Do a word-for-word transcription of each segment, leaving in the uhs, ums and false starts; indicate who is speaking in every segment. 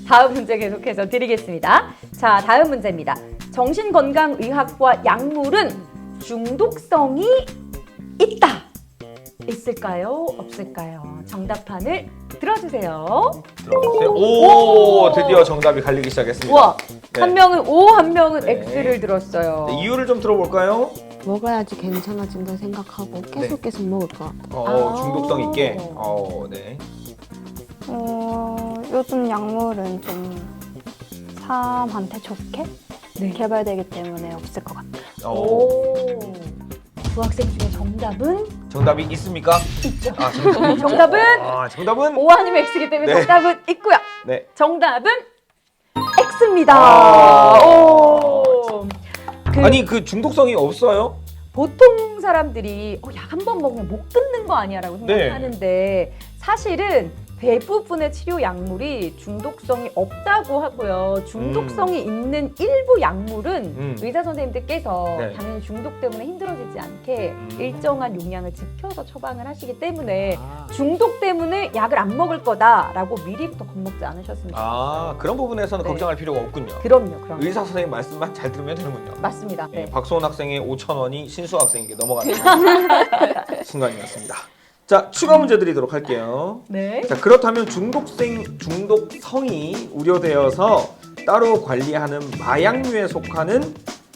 Speaker 1: 다음 문제 계속해서 드리겠습니다. 자, 다음 문제입니다. 정신건강의학과 약물은 중독성이 있다. 있을까요? 없을까요? 정답판을 들어주세요.
Speaker 2: 들어보세요. 오, 드디어 정답이 갈리기 시작했습니다.
Speaker 1: 우와,
Speaker 2: 네.
Speaker 1: 한 명은 O, 한 명은
Speaker 2: 네.
Speaker 1: X를 들었어요.
Speaker 2: 네, 이유를 좀 들어볼까요?
Speaker 3: 먹어야지 괜찮아진다 생각하고 계속 계속 먹을 것 같아요.
Speaker 2: 어,
Speaker 1: 아.
Speaker 2: 중독성 있게. 어, 네.
Speaker 4: 어, 요즘 약물은 좀 사람한테 좋게
Speaker 1: 네.
Speaker 4: 개발되기 때문에 없을 것 같아요.
Speaker 2: 어,
Speaker 1: 오, 두 학생 중에 정답은
Speaker 2: 정답이 있습니까?
Speaker 1: 있죠.
Speaker 2: 아, 정답이 있죠?
Speaker 1: 정답은
Speaker 2: 아, 정답은
Speaker 1: O 아니면 X이기 때문에
Speaker 2: 네.
Speaker 1: 정답은 있고요.
Speaker 2: 네.
Speaker 1: 정답은 X입니다.
Speaker 2: 아.
Speaker 1: 오. 그
Speaker 2: 아니 그 중독성이 없어요?
Speaker 1: 보통 사람들이 어, 약 한 번 먹으면 못 끊는 거 아니야라고
Speaker 2: 네.
Speaker 1: 생각하는데 사실은 대부분의 치료 약물이 중독성이 없다고 하고요. 중독성이 있는 일부 약물은
Speaker 2: 음.
Speaker 1: 의사 선생님들께서
Speaker 2: 네.
Speaker 1: 당연히 중독 때문에 힘들어지지 않게
Speaker 2: 음.
Speaker 1: 일정한 용량을 지켜서 처방을 하시기 때문에
Speaker 2: 아.
Speaker 1: 중독 때문에 약을 안 먹을 거다라고 미리부터 겁먹지 않으셨으면 좋겠어요.
Speaker 2: 아, 그런 부분에서는
Speaker 1: 네.
Speaker 2: 걱정할 필요가 없군요.
Speaker 1: 그럼요, 그럼요.
Speaker 2: 의사 선생님 말씀만 잘 들으면 되는군요.
Speaker 1: 맞습니다.
Speaker 2: 네,
Speaker 1: 네.
Speaker 2: 박소원 학생의 오천 원이 신수 학생에게 넘어가는 순간이었습니다. 자, 추가 문제 드리도록 할게요.
Speaker 1: 네.
Speaker 2: 자, 그렇다면 중독성, 중독성이 우려되어서 따로 관리하는 마약류에 속하는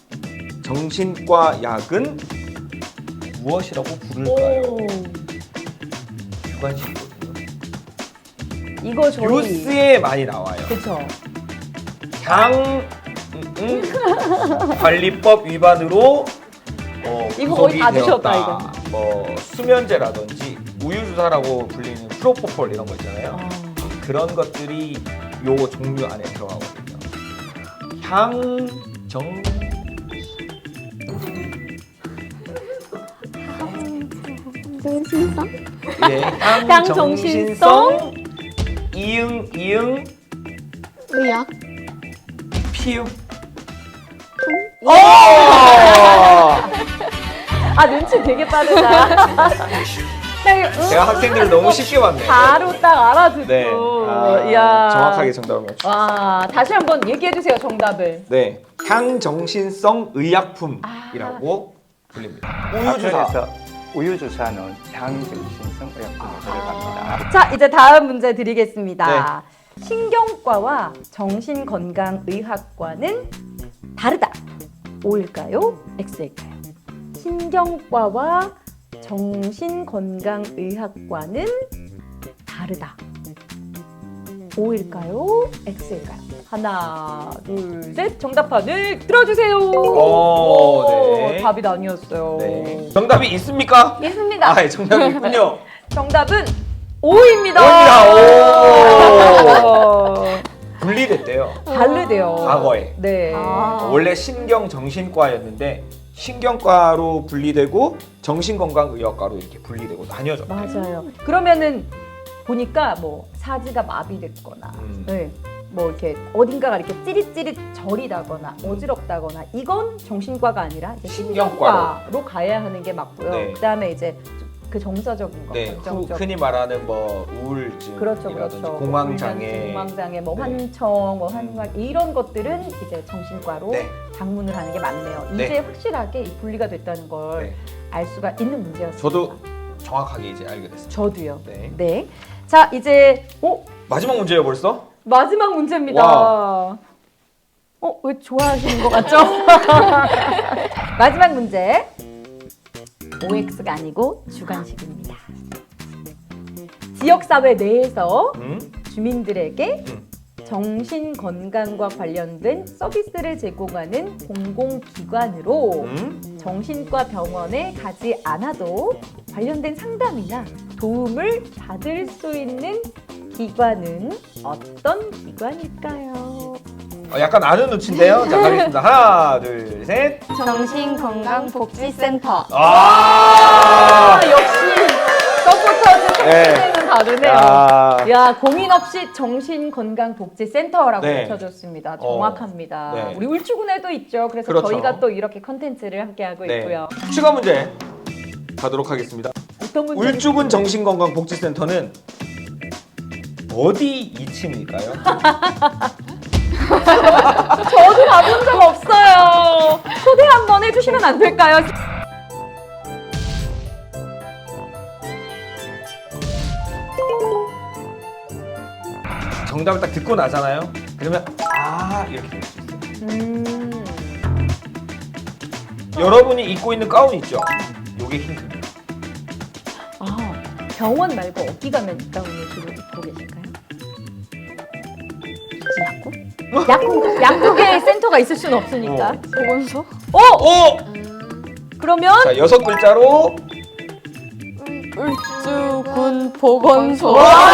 Speaker 2: 정신과 약은 무엇이라고 부를까요?
Speaker 1: 오.
Speaker 2: 주관식이거든요.
Speaker 1: 이거 저희
Speaker 2: 뉴스에 많이 나와요.
Speaker 1: 그쵸.
Speaker 2: 당 음, 음, 관리법 위반으로 어,
Speaker 1: 이거 거의
Speaker 2: 구속이
Speaker 1: 다
Speaker 2: 되었다.
Speaker 1: 드셨다,
Speaker 2: 뭐 수면제라든지 우유주사라고 불리는 프로포폴 이런 거 있잖아요.
Speaker 1: 아.
Speaker 2: 그런 것들이 요 종류 안에 들어가거든요. 향정
Speaker 3: 정신성?
Speaker 2: 예,
Speaker 1: 향정신성?
Speaker 2: 향정신성 이응 이응
Speaker 3: 의학?
Speaker 2: 피읍
Speaker 1: 오! 아 눈치 되게 빠르다.
Speaker 2: 제가 학생들을 너무 쉽게 봤네요.
Speaker 1: 바로 딱 알아듣고.
Speaker 2: 네, 아,
Speaker 1: 이야.
Speaker 2: 정확하게 정답을 맞추셨어요.
Speaker 1: 와, 다시 한번 얘기해 주세요 정답을.
Speaker 2: 네, 향정신성 의약품이라고 불립니다. 우유주사.
Speaker 5: 한편에서 우유주사는 향정신성 의약품에 들어갑니다.
Speaker 1: 자, 이제 다음 문제 드리겠습니다. 신경과와 정신건강의학과는 다르다. O일까요? X일까요? 신경과와 정신건강의학과는 다르다. O일까요? X일까요? 하나, 둘, 셋. 정답판을 들어주세요.
Speaker 2: 오, 네.
Speaker 1: 답이 아니었어요.
Speaker 2: 네. 정답이 있습니까?
Speaker 1: 있습니다.
Speaker 2: 아, 예, 정답이 있군요.
Speaker 1: 정답은 O입니다.
Speaker 2: O입니다.
Speaker 1: 오.
Speaker 2: 분리됐대요.
Speaker 1: 다르대요.
Speaker 2: 과거에.
Speaker 1: 네.
Speaker 4: 아.
Speaker 2: 원래 신경정신과였는데 신경과로 분리되고 정신건강의학과로 이렇게 분리되고 나뉘어졌대요.
Speaker 1: 맞아요. 그러면은 보니까 뭐 사지가 마비됐거나,
Speaker 2: 음.
Speaker 1: 네. 뭐 이렇게 어딘가가 이렇게 찌릿찌릿 저리다거나 어지럽다거나 이건 정신과가 아니라 이제
Speaker 2: 신경과로.
Speaker 1: 신경과로 가야 하는 게 맞고요.
Speaker 2: 네.
Speaker 1: 그다음에 이제 그 정서적인 거,
Speaker 2: 네, 후,
Speaker 1: 결정적.
Speaker 2: 흔히 말하는 뭐 우울증이라든지
Speaker 1: 그렇죠, 그렇죠.
Speaker 2: 공황장애,
Speaker 1: 공황장애, 뭐
Speaker 2: 네.
Speaker 1: 환청, 뭐 환각 이런 것들은 이제 정신과로
Speaker 2: 네.
Speaker 1: 방문을 하는 게 맞네요.
Speaker 2: 네.
Speaker 1: 이제 확실하게 이 분리가 됐다는 걸 알
Speaker 2: 네.
Speaker 1: 수가 있는 문제였습니다.
Speaker 2: 저도 정확하게 이제 알게 됐습니다.
Speaker 1: 저도요.
Speaker 2: 네.
Speaker 1: 네. 자, 이제 어?
Speaker 2: 마지막 문제예요, 벌써?
Speaker 1: 마지막 문제입니다.
Speaker 2: 와.
Speaker 1: 어, 왜 좋아하시는 것 같죠? 마지막 문제. 오엑스가 아니고 주관식입니다. 지역사회 내에서
Speaker 2: 음?
Speaker 1: 주민들에게
Speaker 2: 음.
Speaker 1: 정신건강과 관련된 서비스를 제공하는 공공기관으로
Speaker 2: 음?
Speaker 1: 정신과 병원에 가지 않아도 관련된 상담이나 도움을 받을 수 있는 기관은 어떤 기관일까요?
Speaker 2: 어, 약간 아는 눈치인데요. 자, 가겠습니다. 하나, 둘, 셋.
Speaker 4: 정신건강복지센터.
Speaker 2: 아!
Speaker 1: 아, 역시 서포터즈
Speaker 2: 네.
Speaker 1: 는 다르네요.
Speaker 2: 야.
Speaker 1: 야, 고민 없이 정신건강복지센터라고
Speaker 2: 네.
Speaker 1: 외쳐줬습니다.
Speaker 2: 어.
Speaker 1: 정확합니다.
Speaker 2: 네.
Speaker 1: 우리 울주군에도 있죠. 그래서
Speaker 2: 그렇죠.
Speaker 1: 저희가 또 이렇게 컨텐츠를 함께하고
Speaker 2: 네.
Speaker 1: 있고요.
Speaker 2: 추가 문제 가도록 하겠습니다.
Speaker 1: 어떤 문제?
Speaker 2: 울주군 정신건강복지센터는 어디 이 층일까요?
Speaker 1: 저도 가본 적 없어요. 소개 한번 해주시면 안 될까요?
Speaker 2: 정답을 딱 듣고 나잖아요. 그러면 아 이렇게 될 수 있어요.
Speaker 1: 음.
Speaker 2: 여러분이 입고 있는 가운 있죠? 요게 힌트입니다.
Speaker 1: 아, 병원 말고 어디 가면 이 가운을 주로 입고 계실까요? 약국? 약국, 약국에 센터가 있을 수는 없으니까.
Speaker 2: 어.
Speaker 4: 보건소?
Speaker 1: 어?
Speaker 2: 오!
Speaker 1: 그러면
Speaker 2: 자 여섯 글자로
Speaker 3: 울주군 보건소.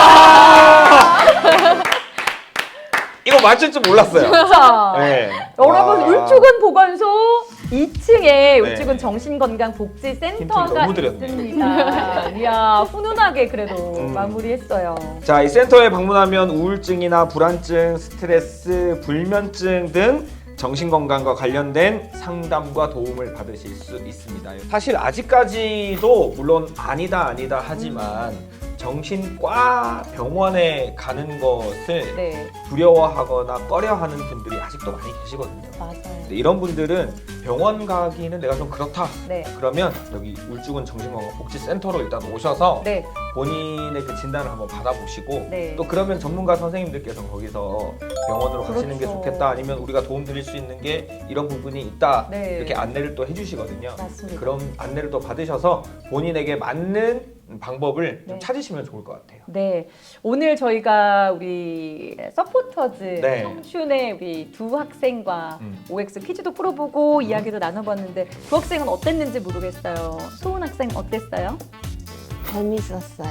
Speaker 2: 이거 맞출 줄 몰랐어요.
Speaker 1: 자,
Speaker 2: 네.
Speaker 1: 여러분
Speaker 2: 와.
Speaker 1: 울주군 보건소 이 층에
Speaker 2: 네.
Speaker 1: 울주군 정신건강복지센터가
Speaker 2: 힌트를 너무 드렸네.
Speaker 1: 있습니다. 이야 훈훈하게 그래도
Speaker 2: 음.
Speaker 1: 마무리했어요.
Speaker 2: 자, 이 센터에 방문하면 우울증이나 불안증, 스트레스, 불면증 등 정신건강과 관련된 상담과 도움을 받으실 수 있습니다. 사실 아직까지도 물론 아니다 아니다 하지만 정신과 병원에 가는 것을
Speaker 1: 네,
Speaker 2: 두려워하거나 꺼려하는 분들이 아직도 많이 계시거든요.
Speaker 1: 맞아요.
Speaker 2: 근데 이런 분들은 병원 가기는 내가 좀 그렇다.
Speaker 1: 네,
Speaker 2: 그러면 여기 울주군 정신건강복지센터로 일단 오셔서
Speaker 1: 네,
Speaker 2: 본인의 그 진단을 한번 받아보시고
Speaker 1: 네.
Speaker 2: 또 그러면 전문가 선생님들께서 거기서 병원으로 가시는 게
Speaker 1: 그렇죠.
Speaker 2: 좋겠다 아니면 우리가 도움 드릴 수 있는 게 이런 부분이 있다
Speaker 1: 네.
Speaker 2: 이렇게 안내를 또 해주시거든요.
Speaker 1: 맞습니다.
Speaker 2: 그런 안내를 또 받으셔서 본인에게 맞는 방법을 좀
Speaker 1: 네.
Speaker 2: 찾으시면 좋을 것 같아요.
Speaker 1: 네, 오늘 저희가 우리 서포터즈
Speaker 2: 네.
Speaker 1: 청춘의 우리 두 학생과
Speaker 2: 음.
Speaker 1: 오엑스 퀴즈도 풀어보고 이야기도 나눠봤는데 두 학생은 어땠는지 모르겠어요. 소은 학생 어땠어요?
Speaker 3: 재밌었어요.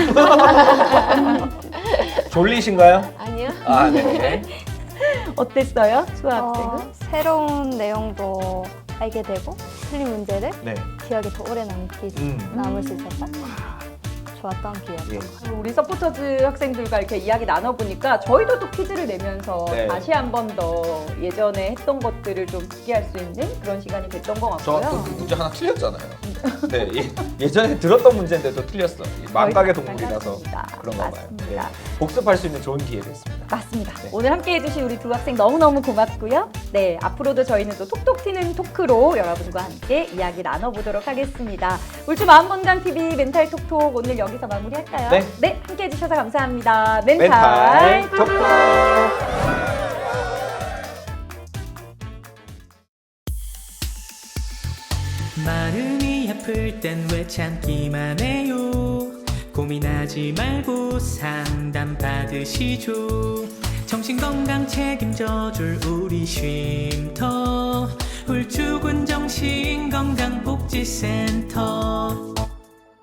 Speaker 2: 졸리신가요?
Speaker 3: 아니요?
Speaker 2: 아, 네.
Speaker 1: 어땠어요? 수아 학생은?
Speaker 4: 어, 새로운 내용도 알게 되고 틀린 문제를
Speaker 2: 네.
Speaker 4: 기억에 더 오래 남기,
Speaker 2: 음.
Speaker 4: 남을 수 있어서 좋았던 기억.
Speaker 2: 예.
Speaker 1: 우리 서포터즈 학생들과 이렇게 이야기 나눠보니까 저희도 또 퀴즈를 내면서
Speaker 2: 네.
Speaker 1: 다시 한 번 더 예전에 했던 것들을 좀 듣게할 수 있는 그런 시간이 됐던 것
Speaker 2: 저
Speaker 1: 같고요.
Speaker 2: 또 문제 하나 틀렸잖아요. 네, 예, 예전에 들었던 문제인데도 틀렸어. 망각의 동물이라서
Speaker 1: 맞습니다.
Speaker 2: 그런가 봐요. 네.
Speaker 1: 맞습니다.
Speaker 2: 복습할 수 있는 좋은 기회됐습니다.
Speaker 1: 맞습니다.
Speaker 2: 네.
Speaker 1: 오늘 함께 해주신 우리 두 학생 너무너무 고맙고요. 네, 앞으로도 저희는 또 톡톡 튀는 토크로 여러분과 함께 이야기 나눠보도록 하겠습니다. 울주 마음건강티비 멘탈 톡톡 오늘 여기서 마무리할까요?
Speaker 2: 네.
Speaker 1: 함께 해주셔서 감사합니다. 멘탈,
Speaker 2: 멘탈 톡톡.
Speaker 6: 마음이 아플 땐 왜 참기만 해요. 고민하지 말고 상담 받으시죠. 정신건강 책임져줄 우리 쉼터 울주군 정신건강복지센터.